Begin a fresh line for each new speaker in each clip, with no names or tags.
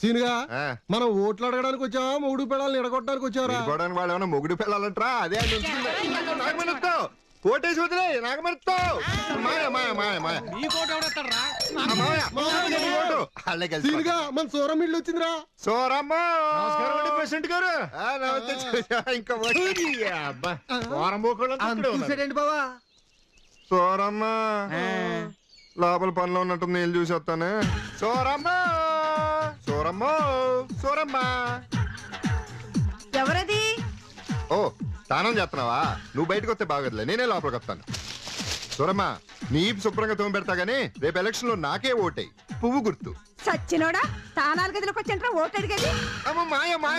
సీనుగా మనం ఓట్లు అడగడానికి వచ్చావా మొగుడు పిల్లల్ని ఎడగొట్టడానికి వచ్చావరా?
వాళ్ళు ఏమన్నా మొగుడు పిల్లలంటరా? అదే నాగమరుస్తావు కోటేసి వదిలే నాగమరుస్తావు
సీనుగా మన సూరం ఇల్లు వచ్చిందిరా.
సోరమ్మ
ప్రెసిడెంట్ గారు
ఇంకా
చూసాడండి బావా.
సోరమ్మ లోపల పనిలో ఉన్నట్టు నేను చూసి వస్తాను. సోరమ్మ సోరమ్మ సోరమ్మ
ఎవరది?
ఓ స్నానం చేస్తున్నావా? నువ్వు బయటకు వస్తే బాగోదులే, నేనే లోపలికి వస్తాను. సూరమ్మ నీ శుభ్రంగా తోమి పెడతా గానీ రేపు ఎలక్షన్ లో నాకే ఓటేయి. పువ్వు గుర్తు.
సచ్చినోడా తానాలు గదిలోకి వచ్చంటారా ఓటు అడిగేది?
అమ్మ మాయ మాయ.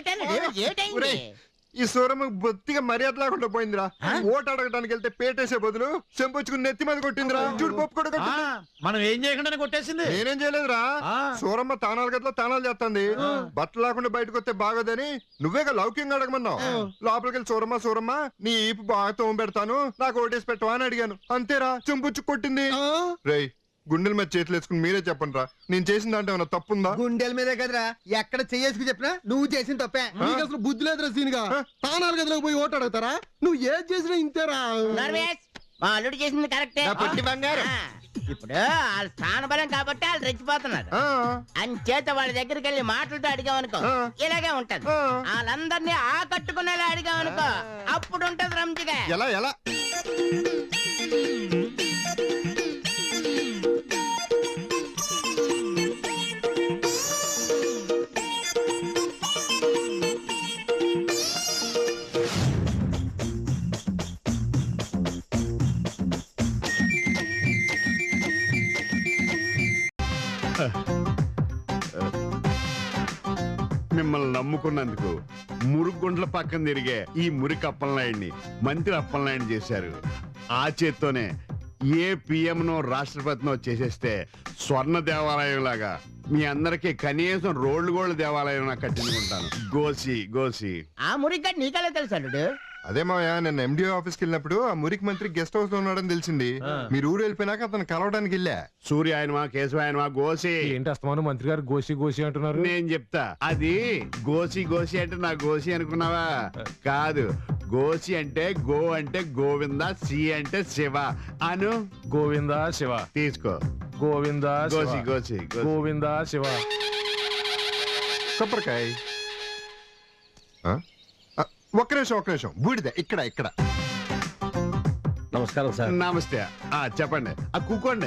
ఈ సూరమ్మ బొత్తిగా మర్యాద లేకుండా పోయిందిరా. ఓటు అడగడానికి వెళ్తే పేటేసే బదులు చెంపొచ్చుకుని నెత్తి మీద కొట్టిందిరా. చూడు పప్పు కూడా
మనం ఏం చేయకుండా కొట్టేసింది.
నేనేం చేయలేదురా. సూరమ్మ తానాల గదిలో తానాలు చేస్తుంది. బట్టలు లేకుండా బయటకు వస్తే బాగోదని నువ్వేగా లౌక్యంగా అడగమన్నావు. లోపలికి వెళ్ళి సూరమ్మ సూరమ్మ నీ ఈపు బాగా తోమ పెడతాను నాకు ఓటేసి పెట్టవా అని అడిగాను. అంతేరా చెంపొచ్చు కొట్టింది. రేయ్ గుండెల మీద చేతులు వేసుకుని మీరే చెప్పండి రా, నేను చేసిన దాంట్లో ఏమన్నా తప్పుందా?
గుండెల మీదే కదరా ఎక్కడ చేసుకు చెప్పినా నువ్వు చేసిన తప్పే.
నీకు అసలు బుద్ధి లేదురా సీనుగా. తానాలు గదిలోకి పోయి ఓటు అడుగుతారా? నువ్వు ఏం చేసినా ఇంతేరా.
మా అల్లుడు చేసింది కరెక్టే.
బంగారు
ఇప్పుడు వాళ్ళ స్థానబలం కాబట్టి వాళ్ళు రెచ్చిపోతున్నారు. అంచేత వాళ్ళ దగ్గరికి వెళ్ళి మాటలతో అడిగామనుకో ఇలాగే ఉంటది. వాళ్ళందరినీ ఆకట్టుకునేలా అడిగామనుకో అప్పుడు ఉంటది రంజిగా.
ఎలా ఎలా
మిమ్మల్ని నమ్ముకున్నందుకు మురుగుండ్ల పక్కన తిరిగే ఈ మురికి అప్పలనాయుడిని మంత్రి అప్పలనాయుడు చేశారు. ఆ చేత్తోనే ఏ పిఎంనో రాష్ట్రపతినో చేసేస్తే స్వర్ణ దేవాలయం లాగా మీ అందరికి కనీసం రోడ్లు గోళ్ళ దేవాలయం కట్టించుకుంటాను. గోసి గోసి
ఆ మురిగ్గా నీకెలా తెలుసు అల్లుడు?
అదే మాయా నిన్న ఎండిఓ ఆఫీస్కి వెళ్ళినప్పుడు ఆ మురికి మంత్రి గెస్ట్ హౌస్ లో ఉన్నాడని తెలిసింది. మీరు ఊరు వెళ్ళిపోయినాక అతను కలవడానికి వెళ్ళా.
సూర్య ఆయనమా కేశవాయనమా గోసి
ఏంటి అస్తమాను మంత్రి గారు గోసి గోసి అంటున్నారు?
నేను చెప్తా. అది గోసి గోసి అంటే నా గోసి అనుకున్నావా? కాదు, గోసి అంటే గో అంటే గోవింద, సి అంటే శివ అను.
గోవిందా శివ
తీసుకో.
గోవిందా
గోసి గోసి
గోవిందా శివ.
కొబ్బరికాయ. ఒక్క నిమిషం బూడిద ఇక్కడ ఇక్కడ.
నమస్కారం సార్.
నమస్తే. చెప్పండి. కూకోండి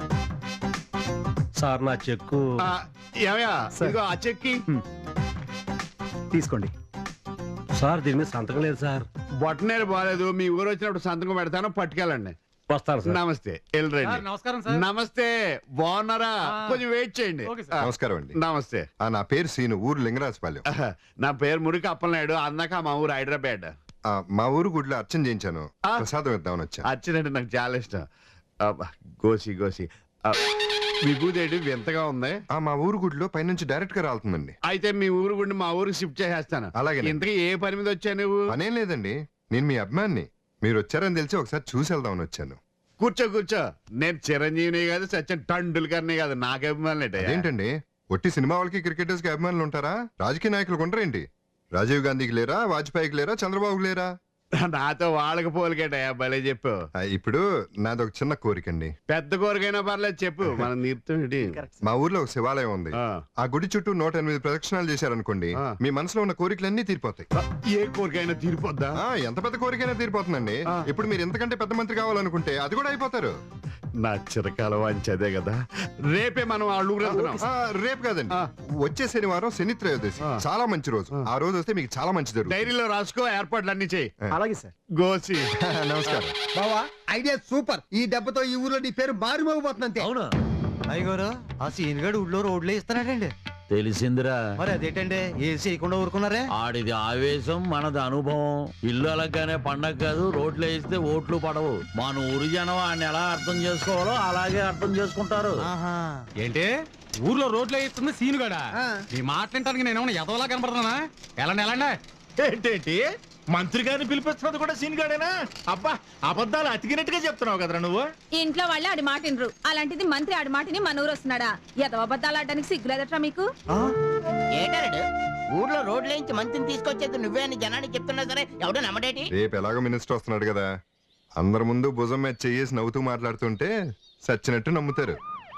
సార్. నా చెక్కు
ఏమయ్యా ఆ చెక్కి
తీసుకోండి సార్. దీని మీద సంతకం లేదు సార్.
బొట్టనేరు బాగాలేదు. మీ ఊరు వచ్చినప్పుడు సంతకం పెడతాను, పట్టుకెళ్ళండి.
వస్తాను సార్.
నమస్తే. వెళ్ళరండి.
నమస్కారం సార్.
నమస్తే. బాగున్నారా? కొంచెం వెయిట్ చేయండి.
నమస్కారం అండి.
నమస్తే.
నా పేరు సీను, ఊరు లింగరాజపాలెం.
నా పేరు మురికి అప్పలనాయుడు. అందాక మా ఊరు హైదరాబాద్.
మా ఊరు గుడిలో అర్చన చేయించాను, ప్రసాదం ఇద్దామని వచ్చా.
అర్చనంటే నాకు చాలా ఇష్టం. గోసి గోసి విభూదేడు వింతగా ఉంది.
మా ఊరు గుడిలో పైనుంచి డైరెక్ట్ గా రాలుతుందండి.
అయితే మీ ఊరు గుడిని మా ఊరికి షిఫ్ట్ చేసేస్తాను.
అలాగే.
ఇంతకీ ఏ పని మీద వచ్చా నువ్వు?
పనేం లేదండి, నేను మీ అభిమాన్ని. మీరు వచ్చారని తెలిసి ఒకసారి చూసి వెళ్దామని వచ్చాను.
కూర్చో కూర్చో. నేను చిరంజీవిని కాదు, సచిన్ టండూల్కర్ని కాదు. నాకు అభిమానులు
ఏంటండి? ఒట్టి సినిమా వాళ్ళకి క్రికెటర్స్ కి అభిమానులు ఉంటారా? రాజకీయ నాయకులు ఉంటారేంటి? రాజీవ్ గాంధీకి లేరా? వాజ్పేయికి లేరా? చంద్రబాబుకి లేరా?
నాతో వాళ్ళకి పోలికేటయా, భలే చెప్పు.
ఇప్పుడు నాదొక చిన్న కోరికండి.
పెద్ద కోరికైనా పర్లేదు చెప్పు. మనం నీరుతుంది.
మా ఊర్లో ఒక శివాలయం ఉంది. ఆ గుడి చుట్టూ 108 ప్రదక్షిణాలు చేశారనుకోండి, మీ మనసులో ఉన్న కోరికలన్నీ తీరిపోతాయి.
ఏ కోరికైనా తీరిపోద్దా?
ఎంత పెద్ద కోరికైనా తీరిపోతుందండి. ఇప్పుడు మీరు ఎంతకంటే పెద్ద మంత్రి కావాలనుకుంటే అది కూడా అయిపోతారు.
నా చిరకాల వాంచదే కదా. రేపే మనం ఆ ఊరు
రేపు కాదండి, వచ్చే శనివారం శని త్రయోదశి, చాలా మంచి రోజు. ఆ రోజు వస్తే మీకు చాలా మంచి జరుగుతుంది.
డైరీలో రాసుకో, ఏర్పాట్లు అన్ని చేయి.
అలాగే సార్.
గోసి
నమస్కారం.
బావా ఐడియా సూపర్. ఈ దెబ్బతో ఈ ఊర్లో నీ పేరు మారిమోగిపోతుంది.
అవునా
అయ్యగారు ఆ సీన్ గడు ఊళ్ళో రోడ్లే ఇస్తున్నాడండి.
తెలిసిందిరా.
మరి అదేంటండి ఏసీ చేయకుండా ఊరుకున్నారే?
ఆడిది ఆవేశం, మనది అనుభవం. ఇల్లు అలాగానే పండగ కాదు, రోడ్లు వేస్తే ఓట్లు పడవు. మన ఊరి జనం ఆయన ఎలా అర్థం చేసుకోవాలో అలాగే అర్థం చేసుకుంటారు.
ఏంటి ఊర్లో రోడ్లు వేస్తుంది సీనుగాడా? నీ మాట్లాడటానికి నేను ఎదవలా కనపడుతున్నా? ఎలాండి
ఏంటేంటి
మంత్రి గారిని పిలిపిస్తున్నది కూడా సీన్ గాడేనా? అబ్బా అబద్ధాలు అతికినట్టుగా చెప్తున్నావు కదరా నువ్వు.
ఇంట్లో వాళ్ళే ఆడి మాట వినరు, అలాంటిది మంత్రి ఆడి మాటని మన ఊరు వస్తున్నాడా? ఎదవ అబద్ధాలు ఆడడానికి సిగ్గులేదట్రా మీకు?
ఏటాడు ఊర్లో రోడ్లేంచి మంత్రిని తీసుకొచ్చేది నువ్వే అని జనానికి చెప్తున్నా సరే ఎవడు నమ్మడేటి?
రేపు ఎలాగో మినిస్టర్ వస్తున్నాడు కదా, అందరి ముందు భుజం మీద చెయ్యేసి నవ్వుతూ మాట్లాడుతుంటే సచ్చినట్టు నమ్ముతారు.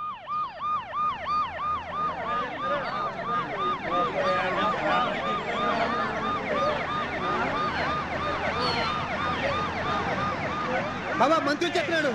బాబా మంత్రి చెప్పినాడు.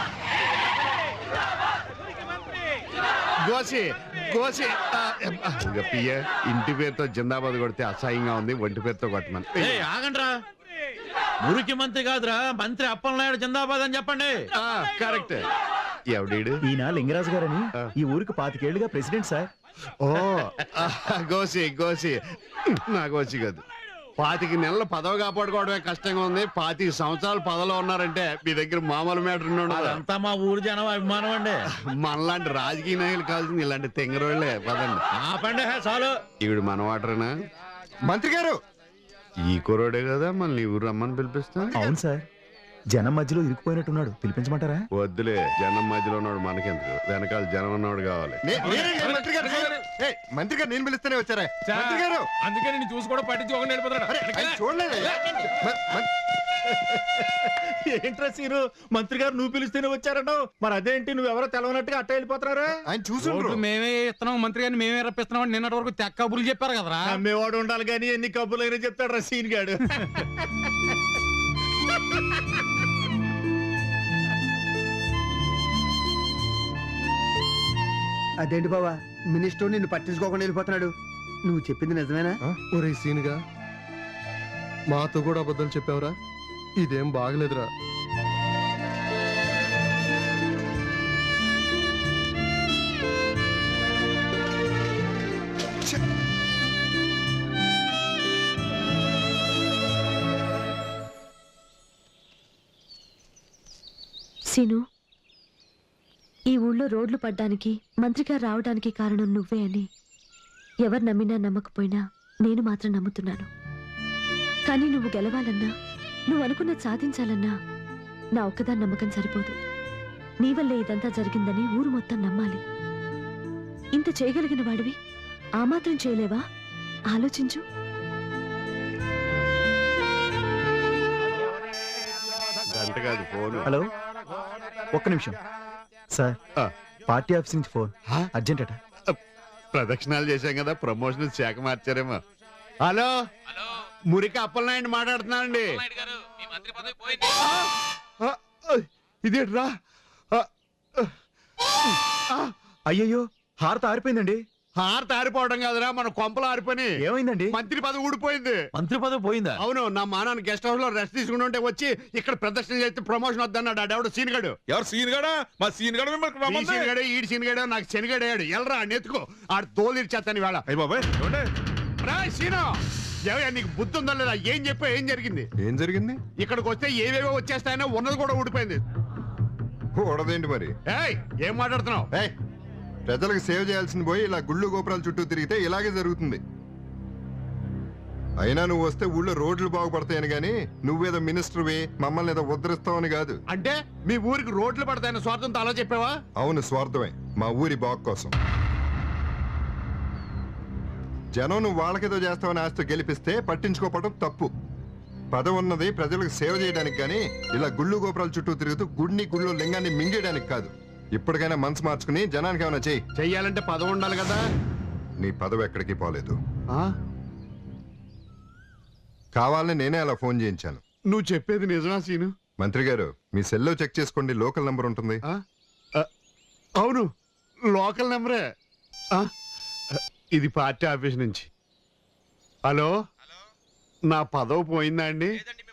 గోసి గోసి ఇక పియ్య ఇంటి పేరుతో జిందాబాద్ కొడితే అసహ్యంగా ఉంది, ఒంటి పేరుతో కొట్టమని.
ఏయ్, ఆగండ్రా. మురికి మంత్రి కాదురా, మంత్రి అప్పలనాయుడు జిందాబాద్ అని చెప్పండి.
కరెక్ట్. ఎవడీడు?
ఈయన లింగరాజు గారని ఈ ఊరికి 25 ఏళ్లుగా ప్రెసిడెంట్ సార్.
ఓ గోసి గోసి నా గోసి కాదు. 25 నెలల పదవి కాపాడుకోవడమే కష్టంగా ఉంది, 25 సంవత్సరాలు పదవిలో ఉన్నారంటే మీ దగ్గర మామూలు మ్యాటర్ ఉన్నాడు.
అదంతా మా ఊరు జనం అభిమానం అండి.
మనలాంటి రాజకీయ నాయకులు కావాల్సింది ఇలాంటి తెంగరోళ్లే. పదండి.
ఆపండి చాలు.
ఈవిడ మన వాటరేనా?
మంత్రి గారు,
ఈ కురోడే కదా మళ్ళీ ఊరు రమ్మని పిలిపిస్తా.
అవును సార్, జనం మధ్యలో ఇరుక్కుపోయినట్టున్నాడు, పిలిపించమంటారా?
వద్దులే, జనం మధ్యలో ఉన్నాడు మనకెందుకు, వెనకాల జనం ఉన్నవాడు కావాలి.
మంత్రి గారు, ఏయ్, మంత్రి గారు నేను పిలుస్తూనే వచ్చారా? మంత్రి గారు,
అందుకే నేను చూసి కూడా పట్టించి ఒక
ఆయన చూడలేదు.
ఏంట్రా సీను, మంత్రి గారు నువ్వు పిలిస్తేనే వచ్చారన్నావు, మరి అదేంటి నువ్వెవరో తెలవనట్టుగా అట్ట వెళ్ళిపోతున్నారా?
ఆయన చూసుండ్రు.
మేమే ఇస్తున్నాం, మంత్రి గారిని మేమే రప్పిస్తున్నాం నిన్నటి వరకు తెక్క కబుర్లు చెప్పారు కదరా. అమ్మేవాడు ఉండాలి కానీ ఎన్ని కబుర్లైనా చెప్తాడు రా సీన్ గాడు.
అదేంటి బావా మినిస్టర్ నిన్ను పట్టించుకోకుండా వెళ్ళిపోతున్నాడు? నువ్వు చెప్పింది నిజమేనా?
ఒరే సీనుగా, మాతో కూడా అబద్ధాలు చెప్పావురా, ఇదేం బాగలేదురా.
సీను, ఈ ఊళ్ళో రోడ్లు పడ్డానికి మంత్రిగా రావడానికి కారణం నువ్వే అని ఎవరు నమ్మినా నమ్మకపోయినా నేను మాత్రం నమ్ముతున్నాను. కానీ నువ్వు గెలవాలన్నా, నువ్వు అనుకున్నది సాధించాలన్నా నా ఒక్కదాని నమ్మకం సరిపోదు. నీ వల్లే ఇదంతా జరిగిందని ఊరు మొత్తం నమ్మాలి. ఇంత చేయగలిగిన వాడివి ఆ మాత్రం చేయలేవా? ఆలోచించు.
గంట కాదు ఫోను.
హలో, ఒక్క నిమిషం సార్, పార్టీ ఆఫీస్ నుంచి ఫోన్, అర్జెంట్ అట.
ప్రదక్షిణాలు చేశాం కదా, ప్రమోషన్ శాఖ మార్చారేమో. హలో, మురికి అప్పలనాయుడు మాట్లాడుతున్నానండి. ఇదేట్రా?
అయ్యయ్యో, హారత ఆరిపోయిందండి.
హారత ఆరిపోవడం కాదురా, మన కొంపలు ఆరిపోయి.
ఏమైందండి?
మంత్రి పదవి ఊడిపోయింది.
మంత్రి పదవి పోయిందా?
అవును, నా మానాన్ని గెస్ట్ హౌస్ లో రెస్ట్ తీసుకుంటుంటే వచ్చి ఇక్కడ ప్రదర్శన చేస్తే ప్రమోషన్ వద్దన్నాడు. ఆడెవడు సీన్ గడు.
ఎవరు సీన్ గడా? మా సీన్ గడ
సీన్ గడే, ఈడు సీన్ గడే, నాకు శనిగడేయాడు. ఎల్రా నెత్తుకో, ఆడు తోలు ఇచ్చేస్తాను ఇవాళ. సీను, ఏవయ్యా నీకు బుద్ధి ఉందా లేదా? ఏం చెప్పా, ఏం జరిగింది?
ఏం జరిగింది?
ఇక్కడికి వస్తే ఏవేవో వచ్చేస్తాయనో, ఉన్నది కూడా ఊడిపోయింది.
కూడదేంటి మరి?
ఏయ్, ఏం మాట్లాడుతున్నావు?
ఏయ్, ప్రజలకు సేవ చేయాల్సింది పోయి ఇలా గుళ్ళు గోపురాల చుట్టూ తిరిగితే ఇలాగే జరుగుతుంది. అయినా నువ్వు వస్తే ఊళ్ళో రోడ్లు బాగుపడతాయని గాని నువ్వేదో మినిస్టర్వి మమ్మల్ని ఏదో ఉద్ధరిస్తావని కాదు.
అంటే మీ ఊరికి రోడ్లు పడతాయని స్వార్థంతో అలా చెప్పావా?
అవును, స్వార్థమే, మా ఊరి బాగు కోసం. జనం నువ్వు వాళ్ళకేదో చేస్తావని ఆస్తి గెలిపిస్తే పట్టించుకోవడం తప్పు. పదవి ఉన్నది ప్రజలకు సేవ చేయడానికి గాని ఇలా గుళ్ళు గోపురాల చుట్టూ తిరుగుతూ గుడిని గుళ్ళో లింగాన్ని మింగేయడానికి కాదు. ఇప్పటికైనా మనసు మార్చుకుని జనానికి ఏమైనా
చెయ్యాలంటే పదవి ఉండాలి కదా.
నీ పదవి ఎక్కడికి పోలేదు. కావాలని నేనే అలా ఫోన్ చేయించాను.
నువ్వు చెప్పేది నిజమా సీను?
మంత్రి గారు, మీ సెల్లో చెక్ చేసుకోండి, లోకల్ నంబర్ ఉంటుంది.
అవును, లోకల్ నెంబరే. ఇది పార్టీ ఆఫీస్ నుంచి. హలో, నా పదవి పోయిందా అండి?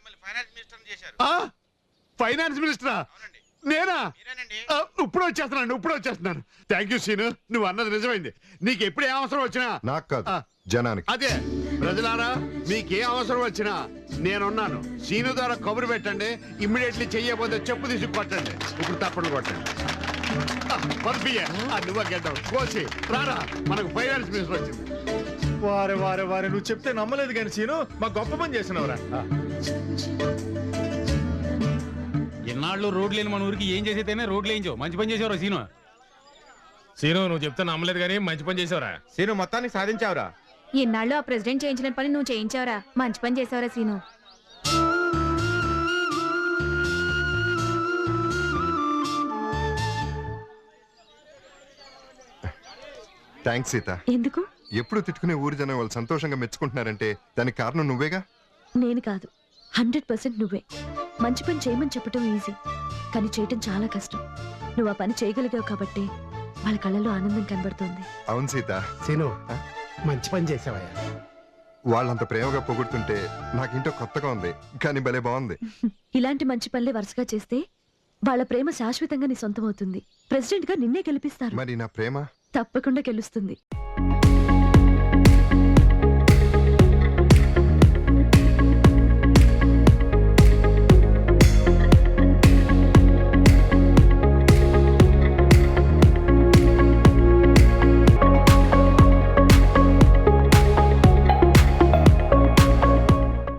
ఫైనాన్స్ మినిస్టరా? నేనా? ఇప్పుడు వచ్చేస్తున్నాను. థ్యాంక్ యూ సీను, నువ్వు అన్నది నిజమైంది. నీకు ఎప్పుడు ఏ అవసరం వచ్చినా.
నాకు కాదు, జనానికి.
అదే ప్రజలారా, మీకే అవసరం వచ్చినా నేనున్నాను. సీను ద్వారా కబురు పెట్టండి, ఇమ్మీడియట్లీ చెయ్యబోతే చెప్పు తీసి కొట్టండి. ఇప్పుడు తప్పని కొట్టండి. నువ్వు గెడ్డావు కోసి రారా, మనకు ఫైనాన్స్ మినిస్టర్ వచ్చింది.
వారే వారే వారే, నువ్వు చెప్తే నమ్మలేదు కానీ సీను, మా గొప్ప పని చేసినవరా. ఎన్నాళ్ళు రోడ్లు లేని మన ఊరికి ఏం చేసేదైనా రోడ్లు వేయించావు. మంచి పని చేసేవరా సీను.
సీను నువ్వు చెప్తే నమ్మలేదు కానీ మంచి పని చేసావురా.
సీను మొత్తానికి సాధించావురా.
ఇన్నాళ్ళు ఆ ప్రెసిడెంట్ చేయించిన పని నువ్వు చేయించావురా. మంచి పని చేసావురా సీను.
థ్యాంక్స్ సీత.
ఎందుకు?
ఎప్పుడు తిట్టుకునే ఊరి జనం వాళ్ళు సంతోషంగా మెచ్చుకుంటున్నారంటే దానికి కారణం నువ్వేగా.
నేను కాదు, 100% నువ్వే. మంచి పని చేయమని చెప్పటం ఈజీ, కానీ చేయటం చాలా కష్టం. నువ్వు ఆ పని చేయగలిగావు కాబట్టి వాళ్ళ కళ్ళలో ఆనందం కనబడుతోంది.
అవును సీత.
సీను మంచి పని చేసావయ్యా.
వాళ్ళంత ప్రేమగా పొగుడుతుంటే నాకింటో కొత్తగా ఉంది, కానీ భలే బాగుంది.
ఇలాంటి మంచి పనులే వరుసగా చేస్తే వాళ్ళ ప్రేమ శాశ్వతంగా నీ సొంతం అవుతుంది. ప్రెసిడెంట్ గా నిన్నే గెలిపిస్తారు.
మరి నా ప్రేమ
తప్పకుండా గెలుస్తుంది.